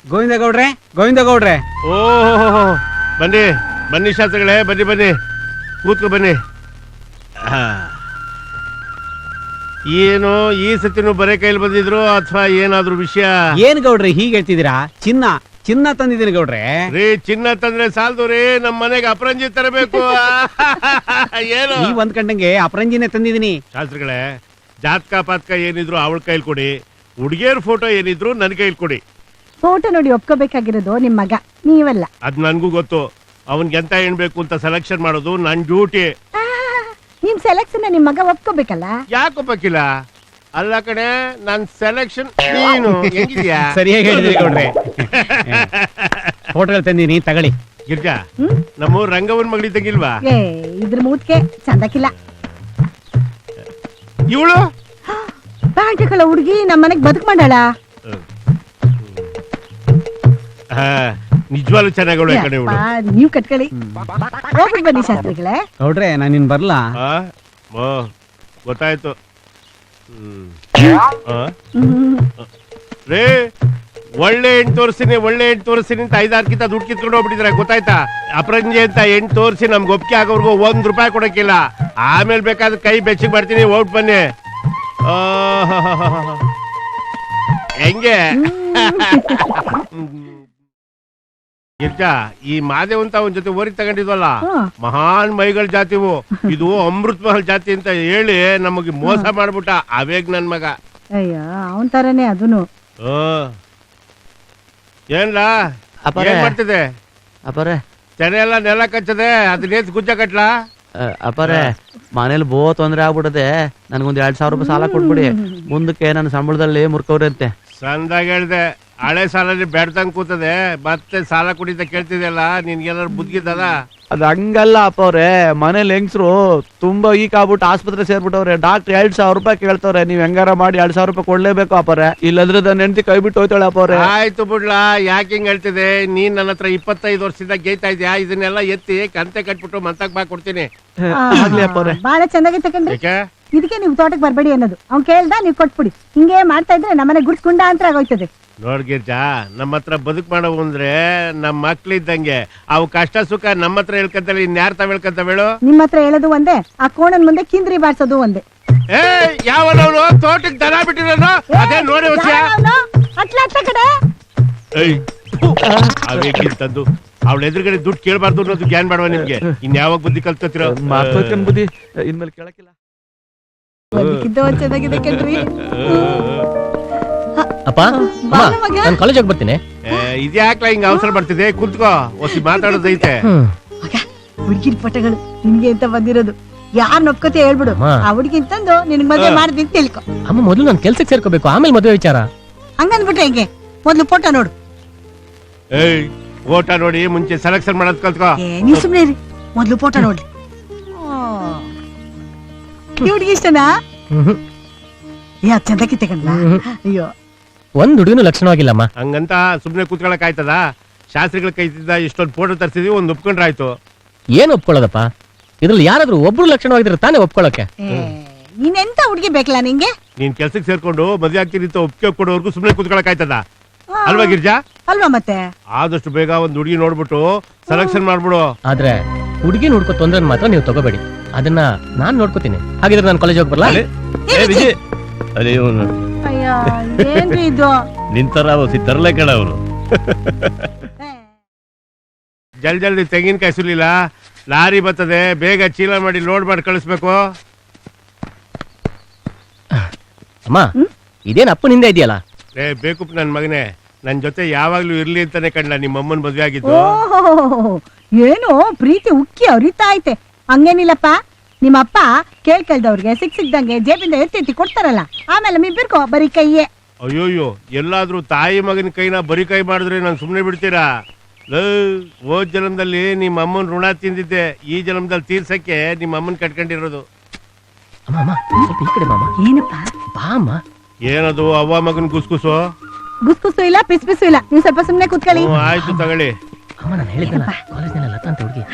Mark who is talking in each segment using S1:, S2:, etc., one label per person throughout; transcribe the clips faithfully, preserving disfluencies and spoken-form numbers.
S1: ಗೋವಿಂದ ಗೌಡ್ರೆ ಗೋವಿಂದ ಗೌಡ್ರೆ
S2: ಓಹೋ ಬನ್ನಿ ಬನ್ನಿ ಶಾಸ್ತ್ರಿಗಳೇ ಬನ್ನಿ ಬನ್ನಿ ಕೂತ್ಕೊ ಬನ್ನಿ. ಏನು ಈ ಸತಿನೂ ಬರೇ ಕೈಲಿ ಬಂದಿದ್ರು ಅಥವಾ ಏನಾದ್ರು ವಿಷಯ?
S1: ಏನ್ ಗೌಡ್ರೆ ಹೀಗೆ ಹೇಳ್ತಿದ್ದೀರಾ? ಚಿನ್ನ ಚಿನ್ನ ತಂದಿದ್ದೀನಿ ಗೌಡ್ರೆ.
S2: ರೀ ಚಿನ್ನ ತಂದ್ರೆ ಸಾಲದು ರೀ, ನಮ್ ಮನೆಗೆ ಅಪರಂಜಿ ತರಬೇಕು. ಏನು
S1: ನೀವ್ ಅಂದ್ಕಂಡಂಗೆ ಅಪರಂಜಿನೇ ತಂದಿದ್ದೀನಿ.
S2: ಶಾಸ್ತ್ರಿಗಳೇ, ಜಾತಕ ಪಾತಕ ಏನಿದ್ರು ಅವಳ ಕೈಲಿ ಕೊಡಿ, ಹುಡುಗಿಯರ್ ಫೋಟೋ ಏನಿದ್ರು ನನ್ ಕೈಲಿ ಕೊಡಿ.
S3: ಫೋಟೋ ನೋಡಿ ಒಪ್ಕೋಬೇಕಾಗಿರೋದು ನಿಮ್ ಮಗ, ನೀವಲ್ಲ.
S2: ಅದ್ ನನ್ಗೂ ಗೊತ್ತು. ಅವನ್ಗೆ ಎಂತ ಏನ್ಬೇಕು ಅಂತ ಸೆಲೆಕ್ಷನ್ ಮಾಡೋದು ನನ್ ಡ್ಯೂಟಿ.
S3: ನಿಮ್ ಸೆಲೆಕ್ಷನ್ ನಿಮ್ ಮಗ ಒಪ್ಕೋಬೇಕಲ್ಲ.
S2: ಯಾಕೆ ಒಪ್ಪಕ್ಕಿಲ್ಲ? ಅಲ್ಲ ಕಡೆ ನನ್ ಸೆಲೆಕ್ಷನ್ ನೀನು ಹೆಂಗಿದ್ಯಾ?
S1: ಸರಿಯಾಗಿ ಹೇಳಿದ್ರಿ ಗೌಡ್ರೆ. ಫೋಟೋಗಳು ತಂದಿನಿ ತಗೊಳ್ಳಿ.
S2: ಗಿರ್ಜಾ, ನಮ್ಮ ರಂಗವನ್ ಮಗಳಿದ್ದಂಗಿಲ್ವಾ?
S3: ಏ ಇದ್ರ ಮೂತ್ಕೆ ಚಂದಕ್ಕಿಲ್ಲ.
S2: ಇವಳು
S3: ಪ್ಯಾಂಟ್ಗಳ ಹುಡುಗಿ ನಮ್ ಮನೆಗ್ ಬದುಕ್ ಮಾಡಾಳ.
S2: ನಿಜವಾಗ್ಲೂ ಚೆನ್ನಾಗಿ ಕಡೆ ಇವಳು.
S3: ನೀವ್ ಕಟ್ಕೊಳ್ಳಿ, ಹೋಗ್ಬಿಟ್ಟು ಬನ್ನಿ ಶಾಸ್ತ್ರಿಗಳೇ.
S1: ಗೌಡ್ರೆ ನಾನು ಇನ್ ಬರ್ಲಾ?
S2: ಗೊತ್ತಾಯ್ತು. ರೇ, ಒಳ್ಳೆ ಎಂಟು ತೋರಿಸ್ತೀನಿ ಒಳ್ಳೆ ಎಂಟು ತೋರಿಸ್ತೀನಿ ಅಂತ ಐದಾರ್ಕಿಂತ ದುಡ್ಡು ಕಿತ್ಕೊಂಡು ಹೋಗ್ಬಿಟ್ಟಿದ್ರೆ ಗೊತ್ತಾಯ್ತಾ? ಅಪರಂಜಿ ಅಂತ ಎಂಟು ತೋರಿಸಿ ನಮ್ಗೆ ಒಪ್ಪಿಗೆ ಆಗೋರ್ಗು ಒಂದ್ ರೂಪಾಯಿ ಕೊಡಕ್ಕಿಲ್ಲ. ಆಮೇಲೆ ಬೇಕಾದ್ರೆ ಕೈ ಬೆಚ್ಚಿಗೆ ಬರ್ತೀನಿ, ಓಟ್ ಬನ್ನಿ. ಹೆಂಗೆ ಗಿರ್ಜಾ, ಈ ಮಾದೇವಂತ ಅವನ ಜೊತೆ ಓರಿ ತಗೊಂಡಿದ್ವಲ್ಲ, ಮಹಾನ್ ಮೈಗಳ ಜಾತಿವು. ಇದು ಅಮೃತ್ ಮಹಲ್ ಜಾತಿ ಅಂತ ಹೇಳಿ ನಮಗೆ ಮೋಸ ಮಾಡ್ಬಿಟ್ಟ ಅವೇಗ್ ನನ್ ಮಗ.
S3: ಅಯ್ಯೋ ಅವನ್ ತರನೇ ಅದೂನು.
S2: ಏನ್ಲ ಏನ್ ಮಾಡ್ತಿದೆ?
S4: ಅಪ್ಪರೇ
S2: ತೆನೆ ಎಲ್ಲ ನೆಲ ಕಚ್ಚದೆ, ಅದನ್ನೇತ್ ಗುಜ್ಜ ಕಟ್ಲಾ?
S4: ಅಪ್ಪರೇ ಮನೇಲಿ ಬೋ ತೊಂದ್ರೆ ಆಗ್ಬಿಡದೆ, ನನ್ಗೊಂದ್ ಎರಡ್ ಸಾವಿರ ರೂಪಾಯಿ ಸಾಲ ಕೊಟ್ಬಿಡಿ, ಮುಂದಕ್ಕೆ ನನ್ನ ಸಂಬಳದಲ್ಲಿ ಮುರ್ಕವ್ರಂತೆ.
S2: ಸಂದಾಗ ಹೇಳ್ದೆ, ಹಳೆ ಸಾಲಲ್ಲಿ ಬೆಡ್ದಂಗ್ ಕೂತದೆ, ಮತ್ತೆ ಸಾಲ ಕುಡಿತ ಕೇಳ್ತಿದ್ಯಲ್ಲ, ನಿನ್ಗೇನಾದ್ರು ಬುದ್ಧಿದ್ದದ?
S4: ಅದ್ ಹಂಗಲ್ಲ ಅಪ್ಪವ್ರೆ, ಮನೇಲಿ ಹೆಂಗ್ಸ್ರು ತುಂಬಾ ವೀಕ್ ಆಗ್ಬಿಟ್ಟು ಆಸ್ಪತ್ರೆ ಸೇರ್ಬಿಟ್ಟವ್ರೆ. ಡಾಕ್ಟರ್ ಎರಡ್ ಸಾವಿರ ರೂಪಾಯಿ ಕೇಳ್ತವ್ರೆ. ನೀವ್ ಹೆಂಗಾರ ಮಾಡಿ ಎರಡ್ ಸಾವಿರ ರೂಪಾಯಿ ಕೊಡ್ಲೇಬೇಕು ಅಪ್ಪರೆ, ಇಲ್ಲಂದ್ರೆ ನನ್ನ ಹೆಂಡತಿ ಕೈ ಬಿಟ್ಟು ಹೋಯ್ತಾಳೆ ಅಪ್ಪವ್ರೆ.
S2: ಆಯ್ತು ಬಿಡ್ಲಾ, ಯಾಕೆ ಹಿಂಗ್ ಹೇಳ್ತಿದೆ? ನೀನ್ ನನ್ನ ಹತ್ರ ಇಪ್ಪತ್ತೈದು ವರ್ಷದಿಂದ ಗೇಯ್ತಾ ಇದ್ಯಾ, ಇದನ್ನೆಲ್ಲ ಎತ್ತಿ ಕಂತೆ ಕಟ್ಬಿಟ್ಟು ಮಂತಕ್ ಬಾ ಕೊಡ್ತೀನಿ.
S3: ಬಾಳ ಚೆನ್ನಾಗಿ ತಕೊಂಡ್ರಿ.
S2: ಯಾಕೆ
S3: ಇದಕ್ಕೆ ನೀವು ತೋಟಕ್ಕೆ ಬರ್ಬೇಡಿ ಅನ್ನೋದು. ಅವ್ನ್ ಕೇಳ್ದ ನೀವ್ ಕೊಟ್ಬಿಡಿ. ಹಿಂಗೆ ಮಾಡ್ತಾ ಇದ್ರೆ ನಮ್ಮನೆ ಗುಡ್ಸ್ಕೊಂಡ ಅಂತ ಆಗೋಯ್ತದೆ.
S2: ನೋಡ್ ಗಿರ್ಜಾ, ನಮ್ಮ ಹತ್ರ ಬದುಕ್ ಮಾಡವು ಅಂದ್ರೆ ನಮ್ಮ ಮಕ್ಳಿದ್ದಂಗೆ. ಅವು ಕಷ್ಟ ಸುಖ ನಮ್ಮ ಹತ್ರ ಹೇಳ್ಕಂತಲ್ಲ, ಇನ್ಯಾರ ತಾವ್ ಹೇಳ್ಕಂತವೇಳು?
S3: ನಿಮ್ಮ ಹತ್ರ ಹೇಳೋದು ಒಂದೇ, ಆ ಕೋಣನ್ ಮುಂದೆ ಕಿಂದ್ರಿ ಬಾರ್ಸೋದು ಒಂದೇ.
S2: ಏ ಯಾವನವನು ತೋಟಕ್ಕೆ ದನ ಬಿಟ್ಟಿರೋನು? ಅದೇ ನೋಡಿ ತಂದು ಅವಳ ಎದುರುಗಡೆ ದುಡ್ಡು ಕೇಳಬಾರ್ದು ಅನ್ನೋದು ಜ್ಞಾನ ಮಾಡುವ ನಿಮ್ಗೆ. ಇನ್ ಯಾವಾಗ ಬುದ್ಧಿ ಕಲ್ತ್ಕೊತಿರೋ?
S4: ಬುದ್ಧಿ ಇನ್ಮೇಲೆ ಕೇಳಕ್ಕಿಲ್ಲ.
S3: ಚೆನ್ನಾಗಿದೆ ಕಣ್ರಿ.
S5: ಅಪ್ಪ ನಾನು ಕಾಲೇಜ್ ಹೋಗಿ ಬರ್ತೀನಿ.
S2: ಇದ್ಯಾಕ್ಲ ಹಿಂಗ ಅವಸರ ಬರ್ತಿದೆ? ಕುಂತ್ಕೋ, ಒಸಿ ಮಾತಾಡೋದೈತೆ.
S3: ಹುಡುಗಿನ ಪಟಗಳು ನಿನ್ಗೆ ಅಂತ ಬಂದಿರೋದು. ಯಾರ್ ನೊಪ್ಕೋತಿ ಹೇಳ್ಬಿಡು, ಆ ಹುಡುಗಿನ್ ತಂದು ನಿನ್ಗೆ ಮದುವೆ ಮಾಡ್ತೀನಿ ತಿಳ್ಕೊ.
S5: ಅಮ್ಮ ಮೊದಲು ನಾನು ಕೆಲ್ಸಕ್ಕೆ ಸೇರ್ಕೋಬೇಕು, ಆಮೇಲೆ ಮದುವೆ ವಿಚಾರ.
S3: ಹಂಗನ್ಬಿಟ್ರೆ ಹೆಂಗೆ? ಮೊದ್ಲು ಫೋಟೋ ನೋಡು.
S2: ಏಯ್ ಫೋಟೋ ನೋಡಿ ಮುಂಚೆ ಸೆಲೆಕ್ಷನ್ ಮಾಡೋದ್ ಕಲ್ತ್ಕೋ.
S3: ನೀವ್ ಸುಮ್ನೆ ಇರಿ, ಮೊದ್ಲು ಫೋಟೋ ನೋಡ್ಲಿ. ಈ ಹುಡುಗಿ ಇಷ್ಟನಾ? ಯಾ ಚಂದಕ್ಕೆ ತಗೊಂಡ್ಲ? ಅಯ್ಯೋ
S5: ಒಂದ್ ಹುಡುಗಿನೂ ಲಕ್ಷಣವಾಗಿಲ್ಲಮ್ಮ.
S2: ಹಂಗಂತ ಸುಮ್ನೆ ಕೂತ್ಕೊಳಕ್ ಆಯ್ತದ? ಶಾಸ್ತ್ರಿಗಳ ಕೈತಿದ್ದ ಇಷ್ಟೊಂದು ಫೋಟೋ ತರ್ಸಿದ್ವಿ, ಒಂದ್ ಒಪ್ಕೊಂಡ್ರೆ ಆಯ್ತು.
S5: ಏನ್ ಒಪ್ಕೊಳ್ಳೋದಪ್ಪ? ಇದ್ರಲ್ಲಿ ಯಾರಾದ್ರೂ ಒಬ್ರು ಲಕ್ಷಣವಾಗಿದ್ರೆ ತಾನೇ ಒಪ್ಕೊಳಕ್ಕೆ.
S3: ನೀನೆಂತ ಹುಡುಗಿ ಬೇಕಲ್ಲ ನಿಂಗೆ?
S2: ನೀನ್ ಕೆಲ್ಸಕ್ಕೆ ಸೇರ್ಕೊಂಡು ಮದ್ವೆ ಆಗ್ತೀನಿ ಅಂತ ಒಪ್ಪಿಗೆ ಕೊಡೋರ್ಗು ಸುಮ್ನೆ ಕೂತ್ಕೊಳಕ್ ಆಯ್ತದ ಅಲ್ವಾ ಗಿರ್ಜಾ?
S3: ಅಲ್ವಾ ಮತ್ತೆ?
S2: ಆದಷ್ಟು ಬೇಗ ಒಂದ್ ಹುಡುಗಿ ನೋಡ್ಬಿಟ್ಟು ಸೆಲೆಕ್ಷನ್ ಮಾಡ್ಬಿಡು.
S5: ಆದ್ರೆ ಹುಡುಗಿ ನೋಡ್ಕೋ ತೊಂದ್ರೆ ಮಾತ್ರ ನೀವು ತಗೋಬೇಡಿ, ಅದನ್ನ ನಾನ್ ನೋಡ್ಕೋತೀನಿ. ಹಾಗಿದ್ರೆ ನಾನು ಕಾಲೇಜ್ ಹೋಗಿ ಬರ್ಲಾ?
S3: ಏನ್ರಿ ಇದು?
S2: ನಿಂತರ ತರಲೆ ಕಣ ಅವರು. ಜಲ್ ಜಲ್ದಿ ತೆಂಗಿನಕಾಯಿ ಸುಲಿಲ್ಲ, ಲಾರಿ ಬರ್ತದೆ, ಬೇಗ ಚೀಲ ಮಾಡಿ ಲೋಡ್ ಮಾಡಿ ಕಳಿಸ್ಬೇಕು.
S5: ಅಮ್ಮ ಇದೇನ್ ಅಪ್ಪನಿಂದ ಇದೆಯಲ್ಲ?
S2: ಏ ಬೇಕು ನನ್ ಮಗನೇ, ನನ್ ಜೊತೆ ಯಾವಾಗ್ಲೂ ಇರ್ಲಿ ಅಂತಾನೆ ಕಂಡ್ಲ ನಿಮ್ಮ ಅಮ್ಮನ್ ಮದ್ವೆ ಆಗಿದ್ದು.
S3: ಏನೋ ಪ್ರೀತಿ ಉಕ್ಕಿ ಅರಿತಾ ಐತೆ. ಹಂಗೇನಿಲ್ಲಪ್ಪ, ನಿಮ್ಮಪ್ಪ ಕೇಳ್ಕಳ್ದವ್ರಿಗೆ ಸಿಕ್ ಸಿಕ್ದಂಗೆ ಜೇಬಿಂದ ಎತ್ತಿ ಎತ್ತಿ ಕೊಡ್ತಾರಲ್ಲ, ಆಮೇಲೆ ಮಿಬ್ಬಿರ್ಕೋ ಬರೀ ಕೈಯೇ.
S2: ಅಯ್ಯೋಯ್ಯೋ, ಎಲ್ಲಾದ್ರೂ ತಾಯಿ ಮಗನ ಕೈನ ಬರೀ ಕೈ ಮಾಡಿದ್ರೆ ನಾನು ಸುಮ್ನೆ ಬಿಡ್ತೀರಾ? ಹೋದ್ ಜನ್ಮದಲ್ಲಿ ನಿಮ್ಮ ಅಮ್ಮನ್ ಋಣ ತಿಂದಿದ್ದೆ, ಈ ಜನ್ಮದಲ್ಲಿ ತೀರ್ಸಕ್ಕೆ ನಿಮ್ಮ ಅಮ್ಮನ್ ಕಟ್ಕೊಂಡಿರೋದು.
S3: ಏನಪ್ಪ?
S2: ಏನದು ಅವ್ವ ಮಗನ್ ಗುಸ್ಗುಸು?
S3: ಗುಸ್ಗುಸು ಇಲ್ಲ, ಪಿಸ್ ಪಿಸು ಇಲ್ಲ. ನೀವು ಸ್ವಲ್ಪ ಸುಮ್ನೆ ಕೂತ್ಕೊಳ್ಳಿ.
S2: ಆಯ್ತು ತಗೊಳ್ಳಿ.
S5: ಅಮ್ಮ ನಾನು ಹೇಳಿದ್ದಲ್ಲ, ಕಾಲೇಜ್ನಲ್ಲಿ ಲತಾ ಅಂತ ಹುಡುಗಿ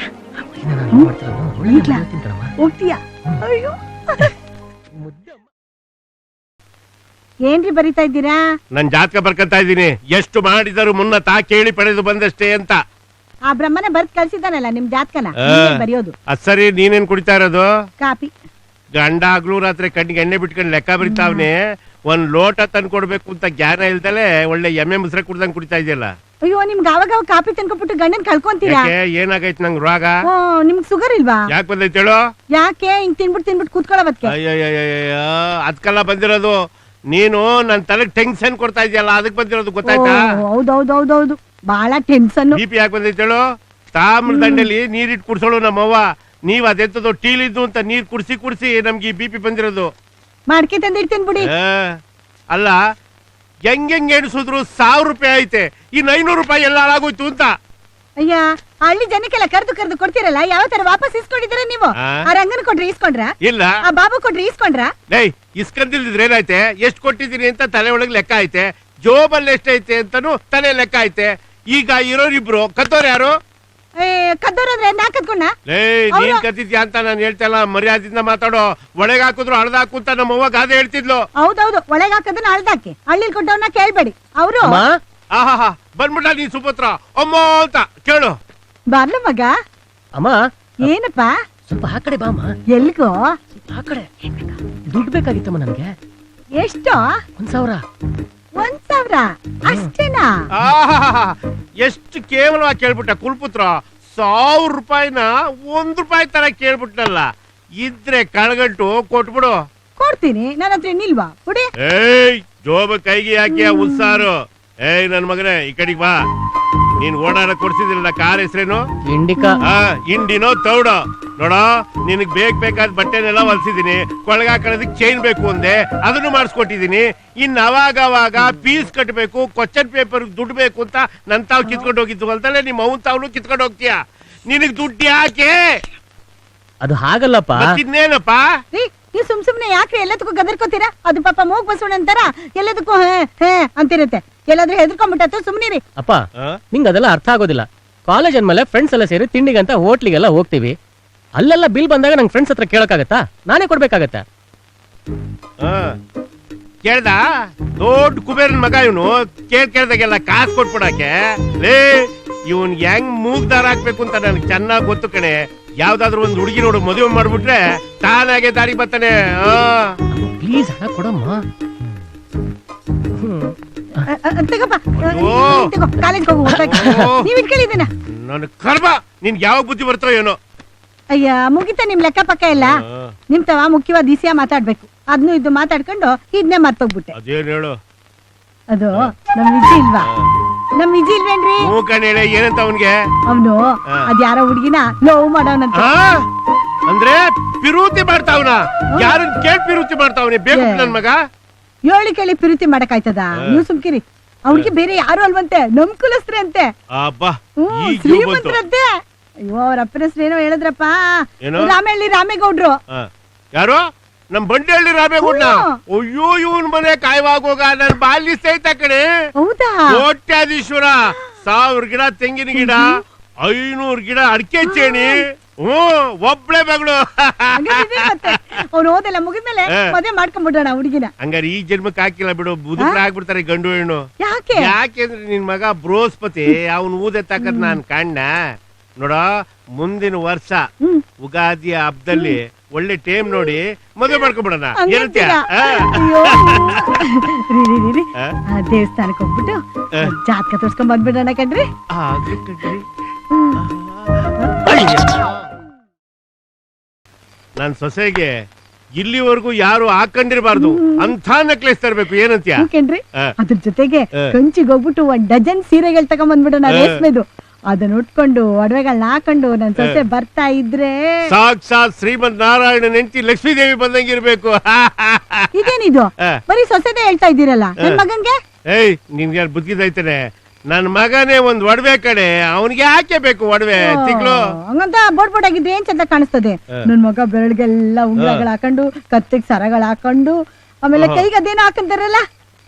S3: ಹೋಗ್ತೀಯಾ? ಅಯ್ಯೋ ಏನ್ರಿ ಬರಿತಾ ಇದ್ದೀರಾ?
S2: ನನ್ ಜಾತಕ ಬರ್ಕಂತ ಇದ್ದೀನಿ. ಎಷ್ಟು ಮಾಡಿದರು ಮುನ್ನ ತಾ ಕೇಳಿ ಪಡೆದು ಬಂದಷ್ಟೇ ಅಂತ.
S3: ಆ ಬ್ರಹ್ಮನೇ ಬರ್ದ್ ಕಳ್ಸಿದ್ದಾನಲ್ಲ ನಿಮ್ ಜಾತಕನ
S2: ಆ.
S3: ಬರೆಯೋದು.
S2: ಅದ್ ಸರಿ, ನೀನೇನ್ ಕುಡಿತಾ ಇರೋದು?
S3: ಕಾಪಿ.
S2: ಗಂಡ ಆಗ್ಲೂ ರಾತ್ರಿ ಕಣ್ಣಿಗೆ ಎಣ್ಣೆ ಬಿಟ್ಕೊಂಡು ಲೆಕ್ಕ ಬರಿತಾವ್ನೆ. ಒಂದ್ ಲೋಟ ತಂದು ಕೊಡ್ಬೇಕು ಅಂತ ಜ್ಞಾನ ಇಲ್ದಲೆ ಒಳ್ಳೆ ಎಮ್ಮೆ ಮುಸ್ರೆ ಕುಡ್ದಂಗ್ ಕುಡಿತಾ ಇದೆಯಲ್ಲ.
S3: ಅಯ್ಯೋ ನಿಮ್ಗೆ ಅವಾಗ ಅವಾಗ ಕಾಪಿ ತಂದ್ಕೊಬಿಟ್ಟು ಗಂಡನ್ ಕಳ್ಕೊಂತೀರಾ?
S2: ಯಾಕೆ, ಏನಾಗೈತ್ ನಂಗ್ ರೋಗ?
S3: ಓ ನಿಮ್ಗ್ ಸುಗರ್ ಇಲ್ವಾ?
S2: ಯಾಕೆ ಬಂದೈತೆ ಹೇಳು?
S3: ಯಾಕೆ ಹಿಂಗ್ ತಿನ್ಬಿಟ್ಟು ತಿನ್ಬಿಟ್ಟು ಕೂತ್ಕೊಳ್ಳೋದಕ್ಕೆ?
S2: ಅಯ್ಯಯ್ಯಯ್ಯ, ಅದ್ಕೆಲ್ಲ ಬಂದಿರೋದು. ನೀನು ನನ್ ತಲೆಗ್ ಟೆನ್ಷನ್ ಕೊಡ್ತಾ ಇದೆಯಲ್ಲ, ಅದಕ್ ಬಂದಿರೋದು ಗೊತ್ತಾಯ್ತಾ?
S3: ಹೌದೌದೌದೌದು, ಬಹಳ ಟೆನ್ಷನ್.
S2: ಬಿ ಪಿ ಯಾಕೆ ಬಂದೈತೆ ಹೇಳು? ತಾಮ್ರ ದಂಡೆಲಿ ನೀರಿಟ್ಟು ಕುಡ್ಸೋಳು ನಮ್ಮವ್ವ. ನೀವ್ ಅದೆಂತದೋ ಟೀಲಿದ್ದು ಅಂತ ನೀರ್ ಕುಡ್ಸಿ ಕುಡ್ಸಿ ನಮ್ಗೆ ಈ ಬಿ ಪಿ ಬಂದಿರೋದು.
S3: ಮಾಡ್ಕೆ ತಂದಿಡ್ತೀನಿ ಬಿಡಿ.
S2: ಆ, ಅಲ್ಲ, ಹೆಂಗ್ ಹೆಂಗ್ ಎಣಿಸಿದ್ರು ಸಾವಿರ ರೂಪಾಯಿ ಐತೆ, ಇನ್ ಐನೂರು ರೂಪಾಯಿ ಎಲ್ಲ ಹಾಳಾಗೋಯ್ತು ಅಂತ.
S3: ಅಯ್ಯ, ಆ ಹಳ್ಳಿ ಜನಕ್ಕೆಲ್ಲ ಕರ್ದು ಕರ್ದು ಕೊಡ್ತಿರಲ್ಲ, ಯಾವ ತರ ವಾಪಸ್ ಇಸ್ಕೊಂಡಿದ್ದೀರಾ ನೀವು?
S2: ಆ?
S3: ಆ ರಂಗನ್ ಕೊಟ್ರಿ ಇಸ್ಕೊಂಡ್ರ?
S2: ಇಲ್ಲ.
S3: ಆ ಬಾಬು ಕೊಟ್ರಿ ಇಸ್ಕೊಂಡ್ರ?
S2: ಲೈ, ಇಸ್ಕಂದಿಲ್ದಿದ್ರೆ ಏನಾಯ್ತೆ? ಎಷ್ಟ್ ಕೊಟ್ಟಿದ್ದೀನಿ ಅಂತ ತಲೆ ಒಳಗ್ ಲೆಕ್ಕ ಐತೆ, ಜೋಬಲ್ಲಿ ಎಷ್ಟೈತೆ ಅಂತಾನು ತಲೆ ಲೆಕ್ಕ ಐತೆ. ಈಗ ಇರೋರಿಬ್ರು ಕತ್ತೋರ್ ಯಾರು?
S3: ಏ ಕದ್ದೋರಂದ್ರೆ ನಾ ಕದ್ಕೊಂಡ?
S2: ಲೇ, ನೀನ್ ಕತ್ತಿದ್ಯಾ ಅಂತ ನಾನು ಹೇಳ್ತಾ ಇಲ್ಲ, ಮರ್ಯಾದಿಂದ ಮಾತಾಡೋ. ಒಳಗ್ ಹಾಕಿದ್ರು ಹಳದಾಕು ಅಂತ ನಮ್ಮ ಅವ್ವ ಗಾದೆ ಹೇಳ್ತಿದ್ಲು.
S3: ಹೌದೌದು, ಒಳಗ್ ಹಾಕದನ್ನ ಅಳ್ದಾಕಿ. ಹಳ್ಳಿ ಕೊಟ್ಟವ್ರನ್ನ ಕೇಳ್ಬೇಡಿ. ಅವರು
S5: ಅಮ್ಮ
S2: ಆಹಾ, ಬಂದ್ಬಿಟ್ಟ ನೀನ್ ಸುಪುತ್ರ ಅಮ್ಮ ಅಂತ ಕೇಳು.
S3: ಬರ್ಲ ಮಗ.
S5: ಅಮ್ಮ
S3: ಏನಪ್ಪ?
S5: ಸ್ವಲ್ಪ ಆ ಕಡೆ ಬಾಮ್ಮ.
S3: ಎಲ್ಗೋ?
S5: ಸ್ವಲ್ಪ ಆ ಕಡೆ. ದುಡ್ಡು ಬೇಕಾಗಿತ್ತಮ್ಮ ನನ್ಗೆ.
S3: ಎಷ್ಟು?
S5: ಒಂದ್ ಸಾವಿರ.
S3: ಒಂದ್ ಸಾವಿರ ಅಷ್ಟೇನಾ?
S2: ಆಹಾ, ಎಷ್ಟು ಕೇವಲವಾಗಿ ಕೇಳ್ಬಿಟ್ಟ ಕುಲ್ಪುತ್ರ. ಸಾವಿರ ರೂಪಾಯಿನ ಒಂದ್ ರೂಪಾಯಿ ತರ ಕೇಳ್ಬಿಟ್ನಲ್ಲ. ಇದ್ರೆ ಕಳ್ಗಂಟು ಕೊಟ್ಬಿಡು.
S3: ಕೊಡ್ತೀನಿ, ನನ್ನ ಹತ್ರ ನಿಲ್ವಾ? ಕೊಡಿ.
S2: ಏಯ್, ಜೋಬ ಕೈಗೆ ಹಾಕಿ ಆ ಉತ್ಸಾರು. ಏಯ್ ನನ್ ಮಗನೇ, ಈ ಕಡೆಗ್ ಬಾ. ನೀನ್ ಓಡಾಡ ಕೊಡ್ಸಿದಿಲ್ಲ ಕಾರ್ ಹೆಸ್ರೇನು?
S5: ಇಂಡಿಕಾ.
S2: ಆ, ಇಂಡಿನೋ ತೌಡೋ? ನೋಡ, ನಿನಗ್ ಬೇಕ್ ಬೇಕಾದ ಬಟ್ಟೆನೆಲ್ಲ ಹೊಲ್ಸಿದೀನಿ. ಕೊಳಗಾಕಳದಕ್ ಚೈನ್ ಬೇಕು ಒಂದೇ, ಅದನ್ನು ಮಾಡಿಸ್ಕೊಟ್ಟಿದೀನಿ. ಇನ್ ಅವಾಗ ಅವಾಗ ಫೀಸ್ ಕಟ್ಟಬೇಕು, ಕ್ವಶನ್ ಪೇಪರ್ ದುಡ್ಡು ಬೇಕು ಅಂತ ನನ್ ತಾವ್ ಕಿತ್ಕೊಂಡು ಹೋಗಿದ್ದು ಅಂತಲೇ ನಿಮ್ಮ ಅವನ್ ತಾವ್ನು ಕಿತ್ಕೊಂಡು ಹೋಗ್ತೀಯ. ನಿನಗ್ ದುಡ್ಡು ಯಾಕೆ?
S5: ಅದು ಹಾಗಲ್ಲಪ್ಪ.
S2: ಇನ್ನೇನಪ್ಪ?
S3: ರೀ, ನೀವು ಸುಮ್ ಸುಮ್ನೆ ಯಾಕ್ರಿ ಎಲ್ಲದಕ್ಕೂ ಗದರ್ಕೋತೀರಾ? ಅದು ಪಾಪ ಮೂಗ್ ಬಸವಣ್ಣ ಅಂತಾರ, ಎಲ್ಲದಕ್ಕೂ ಹೇ ಹೇ ಅಂತಿರುತ್ತೆ. ಎಲ್ಲಾದ್ರೂ ಹೆದರ್ಕೊಂಡ್ಬಿಟ್ಟು ಸುಮ್ನಿರಿ.
S5: ಅಪ್ಪ, ನಿಂಗ್ ಅದೆಲ್ಲ ಅರ್ಥ ಆಗೋದಿಲ್ಲ. ಕಾಲೇಜ್ ಅಂದ್ಮೇಲೆ ಫ್ರೆಂಡ್ಸ್ ಎಲ್ಲ ಸೇರಿ ತಿಂಡಿಗಂತ ಹೋಟ್ಲಿಗೆಲ್ಲ ಹೋಗ್ತೀವಿ. ಅಲ್ಲೆಲ್ಲ ಬಿಲ್ ಬಂದಾಗ ನಂಗೆ ಫ್ರೆಂಡ್ಸ್ ಹತ್ರ ಕೇಳಕ್ಕಾಗತ್ತಾ? ನಾನೇ ಕೊಡ್ಬೇಕಾಗತ್ತೆ.
S2: ಕೇಳ್ದ? ದೊಡ್ಡ ಕುಬೇರನ್ ಮಗ ಇವನು. ಕೇಳ್ ಕೇಳ್ದಾಗೆಲ್ಲ ಕಾಸು ಕೊಟ್ಬಿಡಕ್ಕೆ. ಲೇ, ಇವನ್ ಹೆಂಗ್ ಮೂಗ್ದಾರ ಹಾಕ್ಬೇಕು ಅಂತ ನನ್ಗೆ ಚೆನ್ನಾಗ್ ಗೊತ್ತು ಕಣೆ. ಯಾವ್ದಾದ್ರು ಒಂದ್ ಹುಡುಗಿ ನೋಡು, ಮದುವೆ ಮಾಡ್ಬಿಟ್ರೆ ತಾನಾಗೆ ದಾರಿ ಬರ್ತಾನೆ.
S5: ಪ್ಲೀಸ್ ಹಣ ಕೊಡಮ್ಮ.
S3: ತಗೋಪ್ಪ,
S2: ಓ.
S3: ಕಾಲೇಜ್ ಹೋಗು. ನೀವ್ ಇಟ್ಕೊಳ್ಳಿದ್ದೀನ.
S2: ನನ್ ಕರ್ಮ, ನಿನ್ಗೆ ಯಾವಾಗ ಬುದ್ಧಿ ಬರ್ತೋ ಏನೋ.
S3: ಅಯ್ಯ, ಮುಗಿತ ನಿಮ್ ಲೆಕ್ಕ ಪಕ್ಕ ಇಲ್ಲ. ನಿಮ್ ತವ ಮುಖ್ಯವಾದ ದಿಸಿಯ ಮಾತಾಡ್ಬೇಕು. ಅದ್ನು ಇದು ಮಾತಾಡ್ಕೊಂಡು ಇದನ್ನೇ ಮರ್ತೋಗ್ಬಿಟ್ಟೆ.
S2: ಅದೇನ್ ಹೇಳು?
S3: ಅದು ನಮ್ ವಿಜಿ ಇಲ್ವಾ? ನಮ್ ವಿಜಿ ಇಲ್ವೇನ್ರಿ?
S2: ಮೂಕಣ್ ಹೇಳಿ ಏನಂತ ಅವನ್ಗೆ?
S3: ಅವನು ಅದ್ಯಾರೋ ಹುಡ್ಗಿನ ಲವ್ ಮಾಡೋನಂತ.
S2: ಅಂದ್ರೆ ಪಿರೂತಿ ಮಾಡ್ತಾವ್ನ? ಯಾರನ್ ಕೇಳ್ ಪಿರೂತಿ ಮಾಡ್ತಾವ್ನಿ? ಬೇಕು ನನ್ ಮಗ.
S3: ಏಳಿ ಕೇಳಿ ಪಿರುತಿ ಮಾಡಕ್ ಆಯ್ತದ? ನೀವು ಸುಮ್ಕಿರಿ. ಅವ್ರಿಗೆ ಬೇರೆ ಯಾರು ಅಲ್ವಂತೆ, ನಮ್ ಕುಲಸ್ತ್ರಿ ಅಂತೆ.
S2: ಅಬ್ಬಾ,
S3: ಹ್ಮ್,
S2: ಈಗ
S3: ಶ್ರೀಮಂತರಂತೆ. ಅಯ್ಯೋ, ಅವ್ರ ಅಪ್ಪನ ಹೆಸರು ಏನೋ ಹೇಳಿದ್ರಪ್ಪ. ರಾಮಹಳ್ಳಿ ರಾಮೇಗೌಡ್ರು.
S2: ಯಾರು? ನಮ್ ಬಂಡೇಳ್ಳಿ ರಾಮೇಗೌಡ? ಅಯ್ಯೋ, ಇವನ್ ಮನೆ ಕಾಯ್ವಾಗೋಗ ನನ್ ಬಾಲ್ಯ ಸಹಿತ ಕಣೆ.
S3: ಹೌದಾ?
S2: ಕೋಟ್ಯಾಧೀಶ್ವರ. ಸಾವಿರ ಗಿಡ ತೆಂಗಿನ ಗಿಡ, ಐನೂರ್ ಗಿಡ ಅಡಿಕೆ ಚೇಣಿ. ಹ್ಮ್, ಒಬ್ಳೆ ಮಗಳು.
S3: ಅವ್ನು ಓದೆಲ್ಲ ಮುಗಿದ್ಮೇಲೆ ಮದ್ವೆ ಮಾಡ್ಕೊಂಡ್ಬಿಡೋಣ ಹುಡುಗಿನ.
S2: ಹಂಗಾರೆ ಈ ಜನ್ಮಕ್ಕೆ ಹಾಕಿಲ್ಲ ಬಿಡು, ಬುದುಕ್ರ ಆಗ್ಬಿಡ್ತಾರೆ ಗಂಡು ಹೆಣ್ಣು.
S3: ಯಾಕೆ?
S2: ಯಾಕೆಂದ್ರೆ ನಿನ್ ಮಗ ಬೃಹಸ್ಪತಿ, ಅವನ್ ಊದೆತ್ತಾಕದ್ ನಾನ್ ಕಾಣ್ಣ. ನೋಡ, ಮುಂದಿನ ವರ್ಷ ಉಗಾದಿಯ ಹಬ್ಬದಲ್ಲಿ ಒಳ್ಳೆ ಟೈಮ್ ನೋಡಿ ಮದುವೆ ಮಾಡ್ಕೊಂಡ್ಬಿಡೋಣ. ಏನಂತೀಯ?
S3: ದೇವಸ್ಥಾನಕ್ಕೆ ಹೋಗ್ಬಿಟ್ಟು ಜಾತಕ ತೋರ್ಸ್ಕೊಂಡ್ ಬಂದ್ಬಿಡೋಣ ಕಣ್ರಿ.
S2: ನನ್ ಸೊಸೆಗೆ ಇಲ್ಲಿವರೆಗೂ ಯಾರು ಹಾಕೊಂಡಿರ್ಬಾರ್ದು ಅಂತ ನೆಕ್ಲೆಸ್ ತರ್ಬೇಕು. ಏನಂತೀಯ?
S3: ಕಣ್ರಿ, ಅದ್ರ ಜೊತೆಗೆ ಕಂಚಿಗೆ ಹೋಗ್ಬಿಟ್ಟು ಒಂದ್ ಡಜನ್ ಸೀರೆಗಳು ತಗೊಂಡ್ ಬಂದ್ಬಿಡೋಣ, ರೇಷ್ಮೆದು. ಅದನ್ನ ಉಟ್ಕೊಂಡು ಒಡವೆಗಳನ್ನ ಹಾಕೊಂಡು ನನ್ ಸೊಸೆ ಬರ್ತಾ ಇದ್ರೆ
S2: ಸಾಕ್ಷಾತ್ ಶ್ರೀಮಂತ ನಾರಾಯಣ ಹೆಂಡತಿ ಲಕ್ಷ್ಮೀ ದೇವಿ ಬಂದಂಗಿರ್ಬೇಕು.
S3: ಇದೇನಿದು? ಬರೀ ಸೊಸೆದೇ ಹೇಳ್ತಾ ಇದ್ದೀರಲ್ಲ, ನನ್ ಮಗಂಗೆ?
S2: ಏಯ್, ನಿನ್ಗೆ ಬುದ್ಧಿದೈತಾನೆ. ನನ್ ಮಗನೇ ಒಂದ್ ಒಡವೆ ಕಡೆ, ಅವನಿಗೆ ಯಾಕೆ ಬೇಕು ಒಡವೆ? ತಿಂಗಳು
S3: ಹಂಗಂತ ಬೋಡ್ ಬೋಡ್ ಆಗಿದ್ರೆ ಏನ್ ಚಂದ ಕಾಣಿಸ್ತದೆ. ನನ್ ಮಗ ಬೆರಳಿಗೆಲ್ಲ ಉಂಗ್ರಗಳು ಹಾಕೊಂಡು, ಕತ್ತಿಗೆ ಸರಗಳು ಹಾಕೊಂಡು, ಆಮೇಲೆ ಕೈಗೆ ಅದೇನೋ ಹಾಕಂತಾರಲ್ಲ,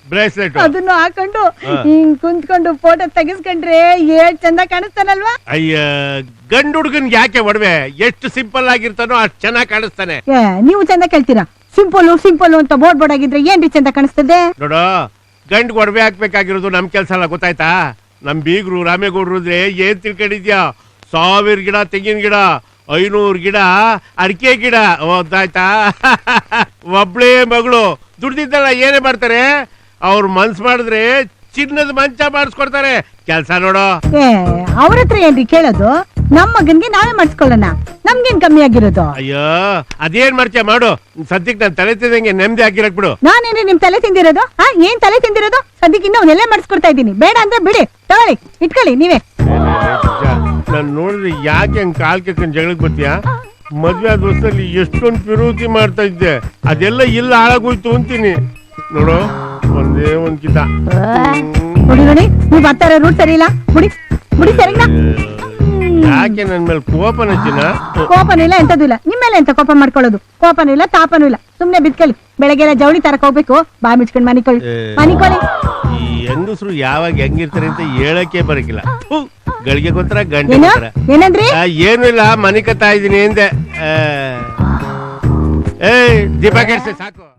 S2: ಬ್ರೇಸ್ಲೆಟ್
S3: ಅದನ್ನು ಹಾಕೊಂಡು
S2: ಹಾ.
S3: ಹಿಂಗ್ ಕುಂತ್ಕೊಂಡು ಫೋಟೋ ತೆಗಿಸ್ಕೊಂಡ್ರೆ ಏಟ್ ಚಂದ ಕಾಣಿಸ್ತಾನಲ್ವಾ?
S2: ಅಯ್ಯ ಗಂಡು ಹುಡುಗನ್ಗೆ ಯಾಕೆ ಒಡವೆ ಎಷ್ಟು ಸಿಂಪಲ್ ಆಗಿರ್ತಾನೋ ಅಷ್ಟು ಚೆನ್ನಾಗಿ ಕಾಣಿಸ್ತಾನೆ.
S3: ಏ ನೀವು ಚಂದ ಕೇಳ್ತೀರಾ? ಸಿಂಪಲ್ ಸಿಂಪಲ್ ಅಂತ ಬೋರ್ಡ್ ಬೋರ್ಡ್ ಆಗಿದ್ರೆ ಏನ್ರಿ ಚಂದ ಕಾಣಿಸ್ತದೆ?
S2: ನೋಡು ಗಂಡ್ ಒಡವೆ ಹಾಕ್ಬೇಕಾಗಿರೋದು ನಮ್ ಕೆಲ್ಸ ಅಲ್ಲ, ಗೊತ್ತಾಯ್ತಾ? ನಮ್ ಬೀಗ್ರು ರಾಮೇಗೌಡ್ರು ಇದ್ರೆ ಏನ್ ತಿಳ್ಕೊಂಡಿದ್ಯಾ? ಸಾವಿರ ಗಿಡ ತೆಂಗಿನ ಗಿಡ, ಐನೂರು ಗಿಡ ಅಡಿಕೆ ಗಿಡ, ಗೊತ್ತಾಯ್ತಾ? ಒಬ್ಳೇ ಮಗಳು ದುಡ್ದಿದ್ದಲ್ಲ ಏನೇ ಮಾಡ್ತಾರೆ, ಅವ್ರು ಮನ್ಸ್ ಮಾಡಿದ್ರೆ ಚಿನ್ನದ ಮಂಚ ಮಾಡಿಸ್ಕೊಡ್ತಾರೆ. ಕೆಲ್ಸ ನೋಡು.
S3: ಏ ಅವ್ರ ಹತ್ರ ಏನ್ರಿ ಕೇಳೋದು? ನಮ್ ಮಗನ್ಗೆ ನಾವೇ ಮಾಡಿಸ್ಕೊಳ್ಳೋಣ, ನಮ್ಗೇನ್ ಕಮ್ಮಿ ಆಗಿರೋದು?
S2: ಅಯ್ಯೋ ಅದೇನ್ ಮಾಡ್ತೀಯ ಮಾಡು, ಸದ್ಯಕ್ಕೆ ನಾನು ತಲೆ ತಿಂದಂಗೆ ನೆಮ್ಮದಿ ಆಗಿರಕ್ ಬಿಡು.
S3: ನಾನೇನ್ರಿ ನಿಮ್ ತಲೆ ತಿಂದಿರೋದು? ಆ ಏನ್ ತಲೆ ತಿಂದಿರೋದು? ಸದ್ಯಕ್ಕೆ ಇನ್ನ ಅವನ್ನೆಲ್ಲ ಮಾಡಿಸ್ಕೊಡ್ತಾ ಇದ್ದೀನಿ. ಬೇಡ ಅಂದ್ರೆ ಬಿಡಿ, ತಗೊಳ್ಳಿ ಇಟ್ಕೊಳ್ಳಿ ನೀವೇ.
S2: ನಾನು ನೋಡಿದ್ರೆ ಯಾಕೆ ಹಂಗ್ ಕಾಲ್ ಕೆತ್ಕೊಂಡ್ ಜಗಳಕ್ ಬರ್ತೀಯಾ? ಮದ್ವೆ ಆದ ವರ್ಷದಲ್ಲಿ ಎಷ್ಟೊಂದು ವಿರೋಧಿ ಮಾಡ್ತಾ ಇದ್ದೆ, ಅದೆಲ್ಲ ಇಲ್ಲ ಹಾಳಾಗೋಯ್ತು ಅಂತೀನಿ. ನೋಡು ಒಂದೇ ಒಂದ್ ಕಿತ
S3: ನೋಡಿ ನೋಡಿ, ನೀವ್ ಬರ್ತಾ ಇರೋ ರೂಟ್ ಸರಿ ಇಲ್ಲ. ಬಿಡಿ ಬಿಡಿ ಸರಿನಾ?
S2: ಯಾಕೆ ನನ್ ಮೇಲೆ ಕೋಪನ ಚಿನ್ನ?
S3: ಕೋಪನೂ ಇಲ್ಲ ಎಂತದೂ ಇಲ್ಲ. ನಿಮ್ಮೇಲೆ ಎಂತ ಕೋಪ ಮಾಡ್ಕೊಳ್ಳೋದು? ಕೋಪನೂ ಇಲ್ಲ ತಾಪನೂ ಇಲ್ಲ. ಸುಮ್ನೆ ಬಿತ್ಕೊಳ್ಳಿ. ಬೆಳಗ್ಗೆಲ್ಲ ಜವಳಿ ತರಕ್ ಹೋಗ್ಬೇಕು, ಬಾ ಮಿಚ್ಕೊಂಡ್ ಮನಿಕೊಳ್ಳಿ ಮನಿಕೊಳ್ಳಿ.
S2: ಈ ಹೆಂಗಸರು ಯಾವಾಗ ಹೆಂಗಿರ್ತಾರೆ ಅಂತ ಹೇಳಕ್ಕೆ ಬರಕಿಲ್ಲ. ಗಳಿಗೆ ಗೊತ್ತರ ಗಂಟೆ
S3: ಏನು
S2: ಗೊತ್ತರ.
S3: ಏನಂದ್ರಿ?
S2: ಆ, ಏನು ಇಲ್ಲ, ಮನೆ ಕತ್ತಾ ಇದೀನಿ ಎಂದೆ. ಏ ದೀಪ ಕೆಡ್ಸೆ ಸಾಕು.